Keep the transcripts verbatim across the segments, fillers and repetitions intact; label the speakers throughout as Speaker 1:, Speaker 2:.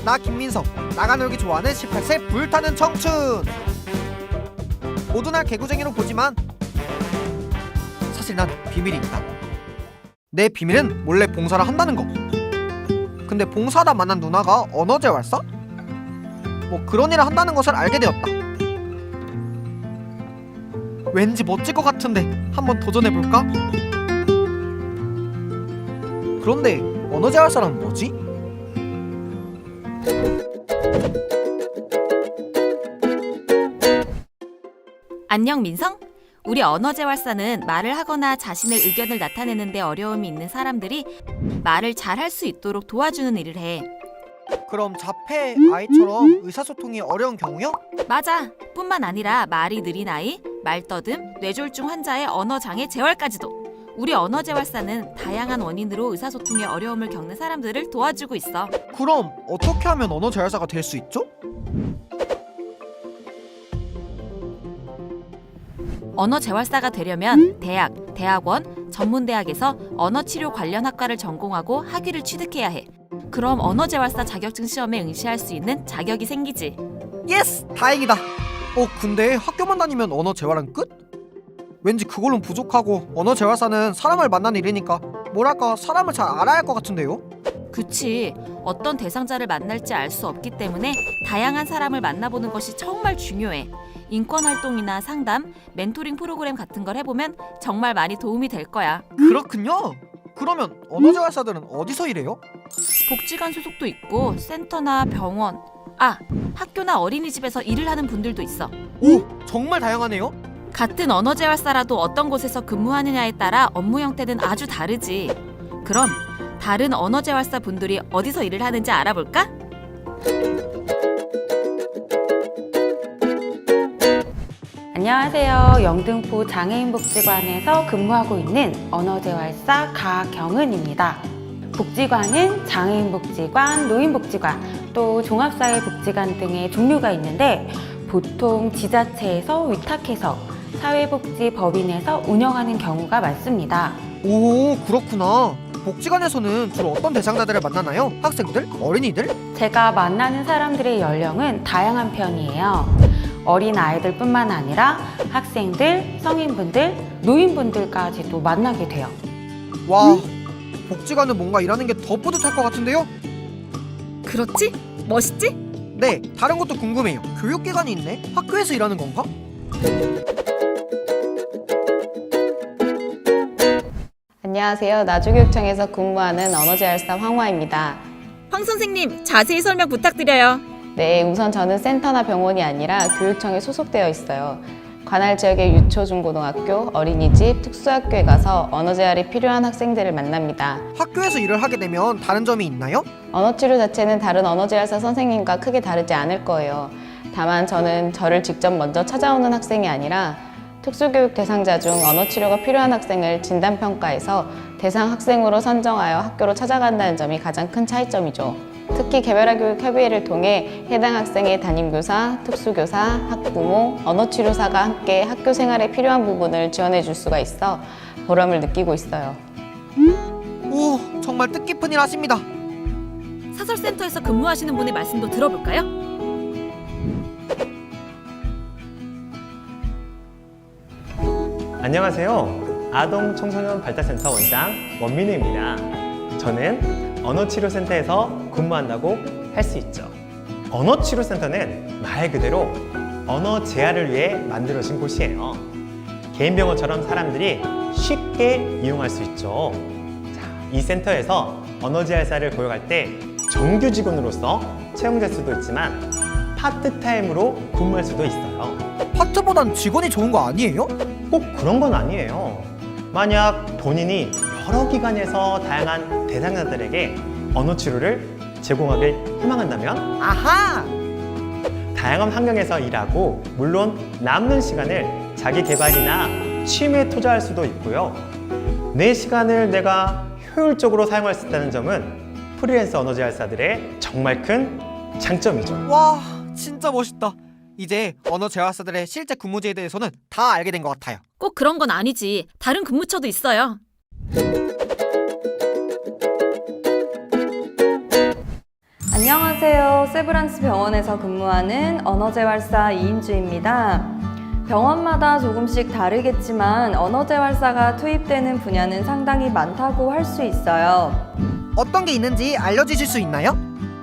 Speaker 1: 나 김민석, 나가 놀기 좋아하는 십팔 세 불타는 청춘. 모두 날 개구쟁이로 보지만 사실 난 비밀이 있다. 내 비밀은 몰래 봉사를 한다는 거. 근데 봉사하다 만난 누나가 언어재활사? 뭐 그런 일을 한다는 것을 알게 되었다. 왠지 멋질 것 같은데 한번 도전해볼까? 그런데 언어재활사란 뭐지?
Speaker 2: 안녕 민성? 우리 언어재활사는 말을 하거나 자신의 의견을 나타내는 데 어려움이 있는 사람들이 말을 잘 할 수 있도록 도와주는 일을 해.
Speaker 1: 그럼 자폐 아이처럼 의사소통이 어려운 경우요?
Speaker 2: 맞아. 뿐만 아니라 말이 느린 아이, 말더듬, 뇌졸중 환자의 언어장애 재활까지도. 우리 언어재활사는 다양한 원인으로 의사소통에 어려움을 겪는 사람들을 도와주고 있어.
Speaker 1: 그럼 어떻게 하면 언어재활사가 될 수 있죠?
Speaker 2: 언어재활사가 되려면 대학, 대학원, 전문대학에서 언어치료 관련 학과를 전공하고 학위를 취득해야 해. 그럼 언어재활사 자격증 시험에 응시할 수 있는 자격이 생기지.
Speaker 1: 예스! 다행이다. 어 근데 학교만 다니면 언어재활은 끝? 왠지 그걸로는 부족하고 언어재활사는 사람을 만나는 일이니까 뭐랄까 사람을 잘 알아야 할 것 같은데요?
Speaker 2: 그치. 어떤 대상자를 만날지 알 수 없기 때문에 다양한 사람을 만나보는 것이 정말 중요해. 인권활동이나 상담, 멘토링 프로그램 같은 걸 해보면 정말 많이 도움이 될 거야.
Speaker 1: 그렇군요. 그러면 언어재활사들은 어디서 일해요?
Speaker 2: 복지관 소속도 있고 센터나 병원, 아, 학교나 어린이집에서 일을 하는 분들도 있어.
Speaker 1: 오! 정말 다양하네요.
Speaker 2: 같은 언어재활사라도 어떤 곳에서 근무하느냐에 따라 업무 형태는 아주 다르지. 그럼 다른 언어재활사 분들이 어디서 일을 하는지 알아볼까?
Speaker 3: 안녕하세요. 영등포 장애인복지관에서 근무하고 있는 언어재활사 가경은입니다. 복지관은 장애인복지관, 노인복지관, 또 종합사회복지관 등의 종류가 있는데 보통 지자체에서 위탁해서 사회복지법인에서 운영하는 경우가 많습니다.
Speaker 1: 오, 그렇구나. 복지관에서는 주로 어떤 대상자들을 만나나요? 학생들? 어린이들?
Speaker 3: 제가 만나는 사람들의 연령은 다양한 편이에요. 어린 아이들뿐만 아니라 학생들, 성인분들, 노인분들까지도 만나게 돼요.
Speaker 1: 와, 복지관은 뭔가 일하는 게 더 뿌듯할 것 같은데요?
Speaker 2: 그렇지? 멋있지?
Speaker 1: 네, 다른 것도 궁금해요. 교육기관이 있네? 학교에서 일하는 건가?
Speaker 4: 안녕하세요. 나주교육청에서 근무하는 언어재활사 황화입니다.
Speaker 2: 황 선생님, 자세히 설명 부탁드려요.
Speaker 4: 네, 우선 저는 센터나 병원이 아니라 교육청에 소속되어 있어요. 관할 지역의 유초, 중고등학교, 어린이집, 특수학교에 가서 언어재활이 필요한 학생들을 만납니다.
Speaker 1: 학교에서 일을 하게 되면 다른 점이 있나요?
Speaker 4: 언어치료 자체는 다른 언어재활사 선생님과 크게 다르지 않을 거예요. 다만 저는 저를 직접 먼저 찾아오는 학생이 아니라 특수교육 대상자 중 언어치료가 필요한 학생을 진단평가해서 대상 학생으로 선정하여 학교로 찾아간다는 점이 가장 큰 차이점이죠. 특히 개별화 교육 협의회를 통해 해당 학생의 담임교사, 특수교사, 학부모, 언어치료사가 함께 학교 생활에 필요한 부분을 지원해 줄 수가 있어 보람을 느끼고 있어요.
Speaker 1: 오, 정말 뜻깊은 일 하십니다.
Speaker 2: 사설센터에서 근무하시는 분의 말씀도 들어볼까요?
Speaker 5: 안녕하세요. 아동 청소년 발달센터 원장 원민우입니다. 저는 언어치료센터에서 근무한다고 할 수 있죠. 언어치료센터는 말 그대로 언어 재활을 위해 만들어진 곳이에요. 개인 병원처럼 사람들이 쉽게 이용할 수 있죠. 자, 이 센터에서 언어재활사를 고용할 때 정규 직원으로서 채용될 수도 있지만 파트타임으로 근무할 수도 있어요.
Speaker 1: 파트보단 직원이 좋은 거 아니에요?
Speaker 5: 꼭 그런 건 아니에요. 만약 본인이 여러 기관에서 다양한 대상자들에게 언어 치료를 제공하길 희망한다면
Speaker 1: 아하!
Speaker 5: 다양한 환경에서 일하고 물론 남는 시간을 자기 개발이나 취미에 투자할 수도 있고요. 내 시간을 내가 효율적으로 사용할 수 있다는 점은 프리랜서 언어재활사들의 정말 큰 장점이죠.
Speaker 1: 와, 진짜 멋있다. 이제 언어재활사들의 실제 근무제에 대해서는 다 알게 된 것 같아요.
Speaker 2: 꼭 그런 건 아니지. 다른 근무처도 있어요.
Speaker 6: 안녕하세요. 세브란스 병원에서 근무하는 언어재활사 이인주입니다. 병원마다 조금씩 다르겠지만 언어재활사가 투입되는 분야는 상당히 많다고 할 수 있어요.
Speaker 1: 어떤 게 있는지 알려주실 수 있나요?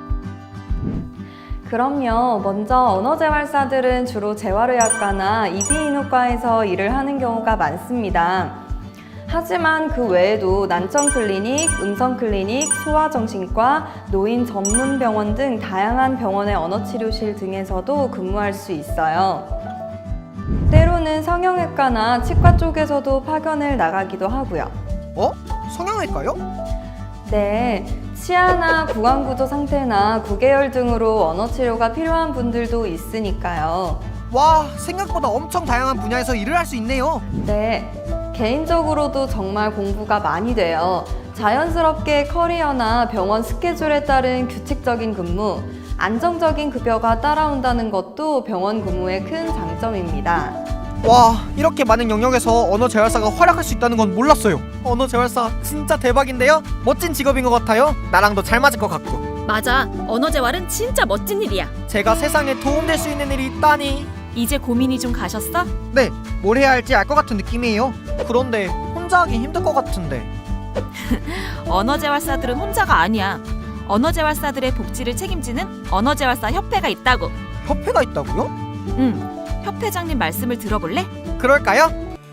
Speaker 6: 그럼요. 먼저 언어재활사들은 주로 재활의학과나 이비인후과에서 일을 하는 경우가 많습니다. 하지만 그 외에도 난청클리닉, 음성클리닉, 소아정신과, 노인 전문병원 등 다양한 병원의 언어치료실 등에서도 근무할 수 있어요. 때로는 성형외과나 치과 쪽에서도 파견을 나가기도 하고요.
Speaker 1: 어? 성형외과요?
Speaker 6: 네, 치아나 구강구조 상태나 구개열 등으로 언어치료가 필요한 분들도 있으니까요.
Speaker 1: 와, 생각보다 엄청 다양한 분야에서 일을 할 수 있네요.
Speaker 6: 네, 개인적으로도 정말 공부가 많이 돼요. 자연스럽게 커리어나 병원 스케줄에 따른 규칙적인 근무, 안정적인 급여가 따라온다는 것도 병원 근무의 큰 장점입니다.
Speaker 1: 와, 이렇게 많은 영역에서 언어재활사가 활약할 수 있다는 건 몰랐어요. 언어재활사 진짜 대박인데요? 멋진 직업인 것 같아요. 나랑도 잘 맞을 것 같고.
Speaker 2: 맞아. 언어재활은 진짜 멋진 일이야.
Speaker 1: 제가 세상에 도움될 수 있는 일이 있다니.
Speaker 2: 이제 고민이 좀 가셨어?
Speaker 1: 네, 뭘 해야 할지 알 것 같은 느낌이에요. 그런데 혼자 하긴 힘들 것 같은데.
Speaker 2: 언어재활사들은 혼자가 아니야. 언어재활사들의 복지를 책임지는 언어재활사 협회가 있다고.
Speaker 1: 협회가 있다고요?
Speaker 2: 응. 협회장님 말씀을 들어볼래?
Speaker 1: 그럴까요?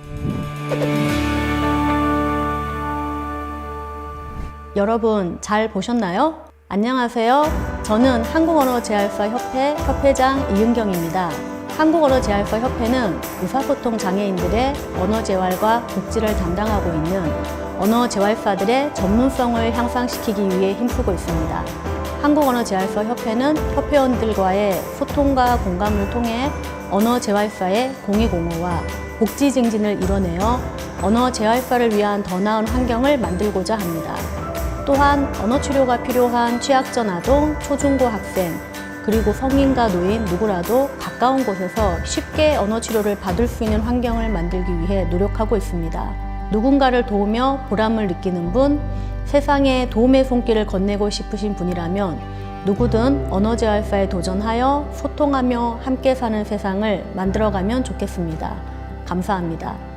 Speaker 7: 여러분 잘 보셨나요? 안녕하세요. 저는 한국언어재활사협회 협회장 이은경입니다. 한국언어재활사협회는 의사소통 장애인들의 언어재활과 복지를 담당하고 있는 언어재활사들의 전문성을 향상시키기 위해 힘쓰고 있습니다. 한국언어재활사협회는 협회원들과의 소통과 공감을 통해 언어재활사의 공익옹호와 복지 증진을 이뤄내어 언어재활사를 위한 더 나은 환경을 만들고자 합니다. 또한 언어치료가 필요한 취약전 아동, 초중고 학생, 그리고 성인과 노인 누구라도 가까운 곳에서 쉽게 언어치료를 받을 수 있는 환경을 만들기 위해 노력하고 있습니다. 누군가를 도우며 보람을 느끼는 분, 세상에 도움의 손길을 건네고 싶으신 분이라면 누구든 언어재활사에 도전하여 소통하며 함께 사는 세상을 만들어가면 좋겠습니다. 감사합니다.